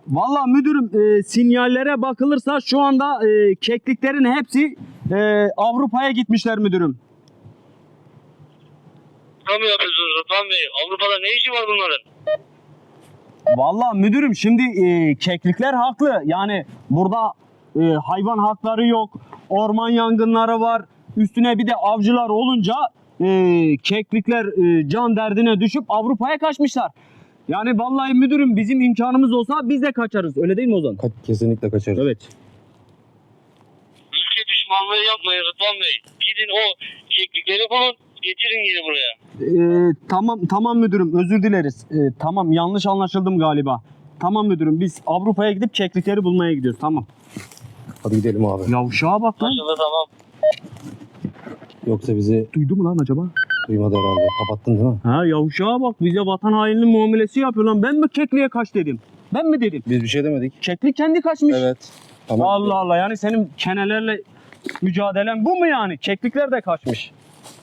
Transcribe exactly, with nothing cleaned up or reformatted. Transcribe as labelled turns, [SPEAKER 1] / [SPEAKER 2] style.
[SPEAKER 1] Vallahi müdürüm e, sinyallere bakılırsa şu anda e, kekliklerin hepsi e, Avrupa'ya gitmişler müdürüm.
[SPEAKER 2] Tam yapıyorsunuz Rıdvan Bey. Avrupa'da ne işi var bunların?
[SPEAKER 1] Vallahi müdürüm şimdi e, keklikler haklı. Yani burada e, hayvan hakları yok. Orman yangınları var. Üstüne bir de avcılar olunca e, keklikler e, can derdine düşüp Avrupa'ya kaçmışlar. Yani vallahi müdürüm bizim imkanımız olsa biz de kaçarız. Öyle değil mi Ozan?
[SPEAKER 3] Ka- kesinlikle kaçarız.
[SPEAKER 1] Evet.
[SPEAKER 2] Ülke düşmanlığı yapmayın Rıdvan Bey. Gidin o keklikleri bulun. Getirin geri buraya.
[SPEAKER 1] Ee, tamam tamam müdürüm, özür dileriz. Ee, tamam, yanlış anlaşıldım galiba. Tamam müdürüm, biz Avrupa'ya gidip keklikleri bulmaya gidiyoruz. Tamam.
[SPEAKER 3] Hadi gidelim abi.
[SPEAKER 1] Yavşağa bak lan.
[SPEAKER 2] Aşağıda tamam.
[SPEAKER 3] Yoksa bizi
[SPEAKER 1] Duydu mu lan acaba?
[SPEAKER 3] duymadı herhalde. Kapattın değil mi?
[SPEAKER 1] Ha yavşağa bak, bize vatan hainliği muamelesi yapıyor lan. Ben mi kekliğe kaç dedim? Ben mi dedim?
[SPEAKER 3] Biz bir şey demedik.
[SPEAKER 1] Keklik kendi kaçmış.
[SPEAKER 3] Evet. Tamam.
[SPEAKER 1] Allah Allah, yani senin kenelerle mücadelen bu mu yani? Keklikler de kaçmış.